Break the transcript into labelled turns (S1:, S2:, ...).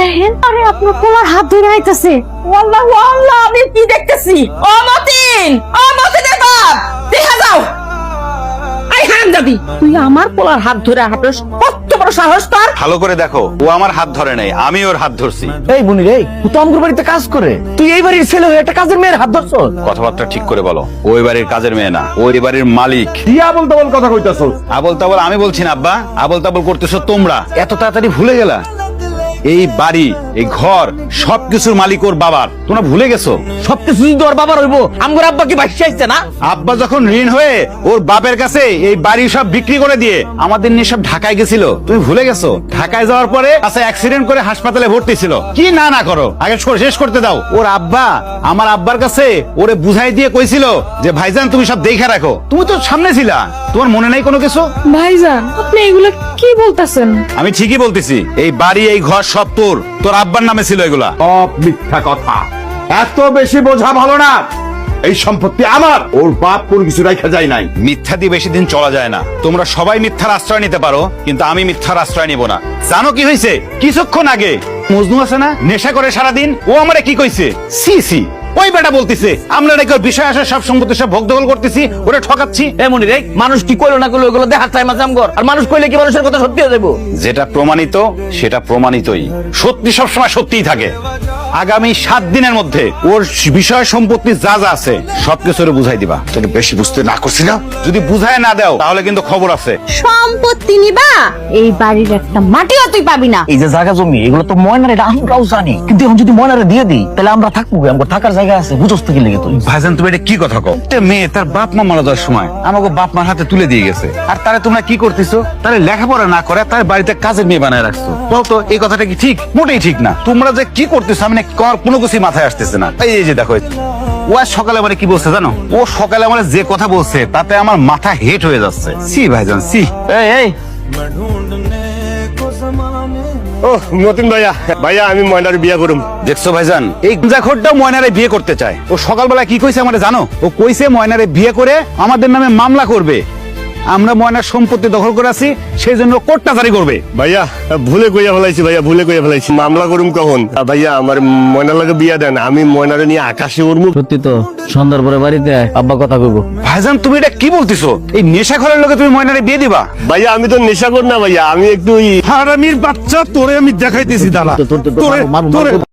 S1: দেখেন, আরে আপনার পোলার হাত ধরে আইতাছে।
S2: আল্লাহু আল্লাহ, আমি কি দেখতেছি? ও মতিন, ও মতিনের বাপ, দেখা যাও। আই হারামজাদি, তুই আমার পোলার হাত ধরে হাঁটস, কত বড় সাহস তোর?
S3: ভালো করে দেখো, ও আমার হাত ধরে নাই, আমি ওর হাত ধরছি।
S4: এই বুনি রে, ও তো আমগুর বাড়িতে কাজ করে, তুই এই বাড়ির ছেলে হয়ে একটা কাজের মেয়ের হাত ধরছ?
S3: কথাবার্তা ঠিক করে বলো, ওই বাড়ির কাজের মেয়ে না, ওই বাড়ির মালিক।
S4: কি আবল তাবল কথা কইতাছস?
S3: আবল তাবল আমি বলছি না আব্বা, আবল তাবল করতেছো তোমরা। এত তাড়াতাড়ি ভুলে গেলা? এই বাড়ি, এই ঘর, সবকিছুর মালিক ওর বাবার। তোমরা ভুলে গেছো?
S4: সবকিছু যদি তোর বাবার হইব, আমগুর আব্বা কি বাইসে আইছে না?
S3: আব্বা যখন ঋণ হয়ে ওর বাপের কাছে এই বাড়ি সব বিক্রি করে দিয়ে আমাদের নিয়ে সব ঢাকায় গেছিল, তুমি ভুলে গেছো? ঢাকায় যাওয়ার পরে কাছে অ্যাক্সিডেন্ট করে হাসপাতালে ভর্তি ছিল। কি না না করো, আগে শেষ করতে দাও। ওর আব্বা আমার আব্বার কাছে ওরে বুঝাই দিয়ে কইছিল যে ভাইজান তুমি সব দেখে রাখো। তুমি তো সামনে ছিলা, তোমার মনে নাই কোনো কিছু?
S1: ভাইজান, আপনি এগুলা কি বলতাছেন?
S3: আমি ঠিকই বলতেছি, এই বাড়ি এই ঘর সব তোর আব্বার নামে ছিল এগুলা।
S5: সব মিথ্যা কথা, এত বেশি বোঝা ভালো না। এই সম্পত্তি আমার, ওর বাপ কোন কিছু রাখা যায় নাই।
S3: মিথ্যা দিয়ে বেশি দিন চলা যায় না। তোমরা সবাই মিথ্যার আশ্রয় নিতে পারো, কিন্তু আমি মিথ্যার আশ্রয় নিব না। জানো কি হয়েছে? কিছুক্ষণ আগে মজনু আছে না, নেশা করে সারাদিন, ও আমারে কি কইছে? সি সি, ওই বেটা বলতিছে আমরা নাকি ওর বিষয় আসে সব সম্পত্তি সব ভোগ দখল করতেছি, ওরা ঠকাচ্ছি।
S4: এমনই রে, মানুষ কি কইলো না কইলো ওগুলো দেখার টাইম আছে আমগর। আর মানুষ কইলে কি মানুষের কথা সত্যি হয়ে যাবো?
S3: যেটা প্রমাণিত সেটা প্রমাণিতই, সত্যি সবসময় সত্যিই থাকে। আগামী 7 দিনের মধ্যে ওর বিষয় সম্পত্তি যা যা আছে সবকিছু বুঝাই দিবা।
S5: তোকে বেশি বুঝতে না করছি না?
S3: যদি বুঝায় না দাও তাহলে কিন্তু খবর আছে।
S1: সম্পত্তি নিবা, এই বাড়ির একটা মাটিও তুই পাবি না।
S4: এই যে জায়গা জমি, এগুলো তো ময়নার, এটা আমরাও জানি, কিন্তু এখন যদি ময়নারে দিয়ে দিই তাহলে আমরা থাকবো, আমগো থাকার জায়গা আছে, বুঝছ তো কি লেগে তুই?
S3: ভাইজান তুমি এটা কি কথা কও? একটা মেয়ে তার বাপ মা মারা যাওয়ার সময় আমাকে বাপ মার হাতে তুলে দিয়ে গেছে, আর তারে তোমরা কি করতেছো? তারে লেখাপড়া না করে তার বাড়িতে কাজের মেয়ে বানায় রাখছো। বলতো এই কথাটা কি ঠিক? মোটেই ঠিক না। তোমরা যে কি করতেছো আমি না কোনো কিছু মাথায় আসতেছে না। এই যে দেখো, ও আজ সকালে মানে কি বলছে জানো? ও সকালে মানে যে কথা বলছে তাতে আমার মাথা হেট হয়ে যাচ্ছে। সি ভাইজান সি।
S4: এই
S5: ও মতিন ভাইয়া, ভাইয়া আমি ময়নার বিয়া করুম।
S3: দেখছো ভাইজান, এই গুঞ্জাখোরটাও ময়নারে বিয়ে করতে চায়। ও সকালবেলা কি কইছে আমারে জানো? ও কইছে ময়নারে বিয়ে করে আমাদের নামে মামলা করবে। আমরা ময়নার সম্পত্তি দখল করে আছি, সেই জন্য কোর্টটা জারি করবে।
S5: ভাইয়া ভুলে কইয়া ফেলাইছি, ভাইয়া ভুলে কইয়া ফেলাইছি। মামলা করুম কখন? ভাইয়া আমার ময়নার লাগে বিয়া দেন, আমি ময়নারে নিয়ে আকাশে উড়মু।
S4: সত্যি তো, সন্ধ্যার পরে বাড়িতে আয়, আব্বা কথা কইবো।
S3: ভাইজান তুমি এটা কি বলতেছো? এই নেশাখোরের লোকে তুমি ময়নারে বিয়ে দিবা?
S5: ভাইয়া আমি তো নেশা কর না ভাইয়া, আমি একটু হারামির বাচ্চা, তোরে আমি দেখাইতেছি দাঁড়া।
S4: তোর